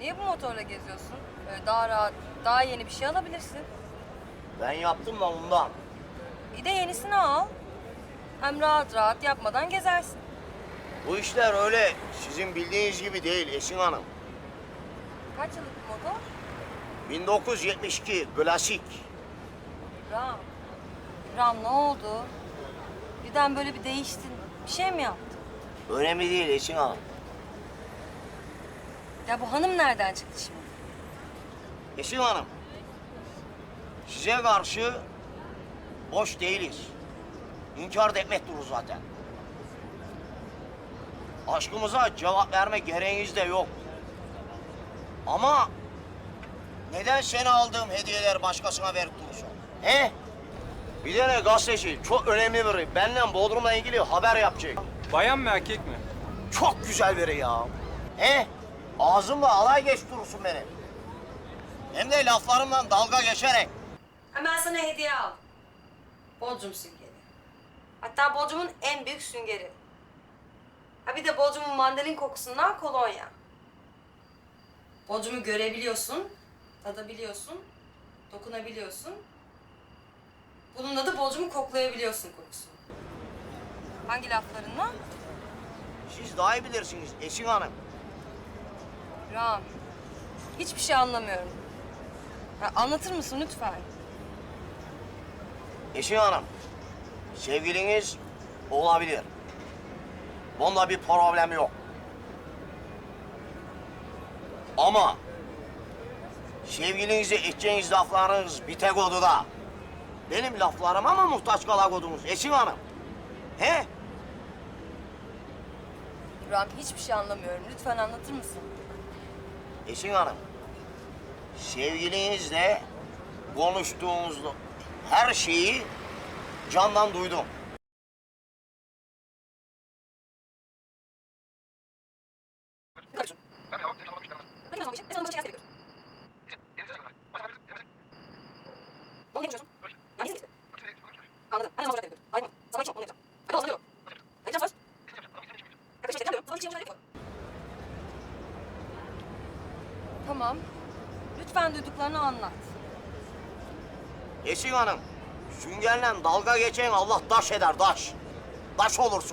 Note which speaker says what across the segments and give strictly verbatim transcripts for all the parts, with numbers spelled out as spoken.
Speaker 1: Niye bu motorla geziyorsun? Böyle daha rahat, daha yeni bir şey alabilirsin.
Speaker 2: Ben yaptım da ondan.
Speaker 1: Bir de yenisini al. Hem rahat rahat yapmadan gezersin.
Speaker 2: Bu işler öyle sizin bildiğiniz gibi değil Esin Hanım.
Speaker 1: Kaç yıllık bir motor?
Speaker 2: bin dokuz yüz yetmiş iki klasik.
Speaker 1: İbrahim. İbrahim ne oldu? Birden böyle bir değiştin. Bir şey mi yaptın?
Speaker 2: Önemli değil Esin Hanım.
Speaker 1: Ya bu hanım nereden çıktı şimdi?
Speaker 2: Esin Hanım, size karşı boş değiliz. İnkar da etmek durur zaten. Aşkımıza cevap verme gereğiniz de yok. Ama neden seni aldığım hediyeler başkasına verip durursun? He? Bir tane gazeteci, çok önemli biri. Benden Bodrum'la ilgili haber yapacak.
Speaker 3: Bayan mı erkek mi?
Speaker 2: Çok güzel biri ya. He? Ağzımla alay geç durursun beni. Hem de laflarımdan dalga geçerek.
Speaker 1: Hemen sana hediye al. Bodrum süngeri. Hatta Bodrum'un en büyük süngeri. Ha bir de Bodrum'un mandalin kokusundan kolonya. Bodrum'u görebiliyorsun, tadabiliyorsun, dokunabiliyorsun. Bununla da Bodrum'u koklayabiliyorsun kokusunu. Hangi laflarınla?
Speaker 2: Siz daha iyi bilirsiniz Esin Hanım.
Speaker 1: Ram, hiçbir şey anlamıyorum. Ya anlatır mısın lütfen?
Speaker 2: Esin Hanım, sevgiliniz olabilir. Bunda bir problem yok. Ama sevgilinize edeceğiniz laflarınız bir tek odada. Benim laflarıma mı muhtaç kalakodunuz Esin Hanım? He?
Speaker 1: Ram, hiçbir şey anlamıyorum. Lütfen anlatır mısın?
Speaker 2: Esin Hanım, sevgilinizle konuştuğunuzda her şeyi candan duydum.
Speaker 1: Anladım. Ben de mazeret yapıyorum. Hayır, sana için onu yapacağım. Hadi o zaman diyorum. Vereceğim söz. Yaklaşık tekrar diyorum. Sana bir şey yapıyorum. Tamam. Lütfen duyduklarını anlat.
Speaker 2: Esin Hanım, süngerle dalga geçen Allah daş eder, daş. Daş olursun.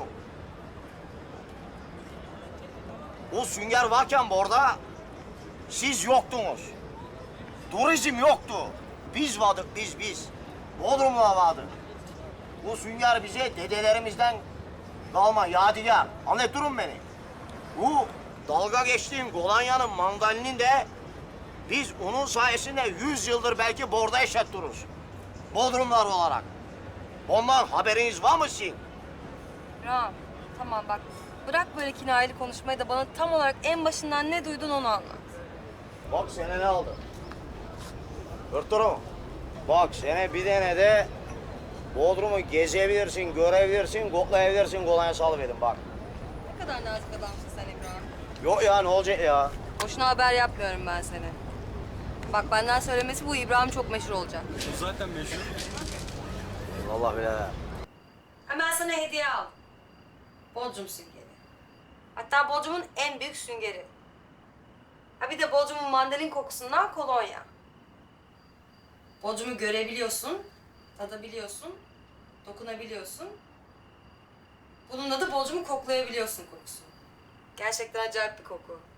Speaker 2: O sünger varken burada siz yoktunuz. Turizm yoktu. Biz vardık, biz, biz. Bodrum'la vardık. Bu sünger bize dedelerimizden kalma yadigar. Anlatırım beni. Bu dalga geçtiğim Golanya'nın mandalinin de biz onun sayesinde yüz yıldır belki borda yaşatırız. Bodrumlar olarak. Ondan haberiniz var mı sizin?
Speaker 1: Ram, tamam bak. Bırak böyle kinayeli konuşmayı da bana tam olarak en başından ne duydun onu anlat.
Speaker 2: Bak sene ne aldı? Hırtırım. Bak sene bir tane de Bodrum'u gezebilirsin, görebilirsin, koklayabilirsin, kolonya salıverin bak.
Speaker 1: Ne kadar nazik adamsın sen İbrahim.
Speaker 2: Yok ya ne olacak ya?
Speaker 1: Boşuna haber yapmıyorum ben seni. Bak benden söylemesi bu İbrahim çok meşhur olacak.
Speaker 3: O zaten meşhur.
Speaker 2: Vallahi bile.
Speaker 1: Hemen sana hediye al. Bodrum süngeri. Hatta Bodrum'un en büyük süngeri. Ha bir de Bodrum'un mandalin kokusundan kolonya. Bodrum'u görebiliyorsun, tadabiliyorsun, dokunabiliyorsun. Bununla da Bodrum'u koklayabiliyorsun kokusunu. Gerçekten acayip bir koku.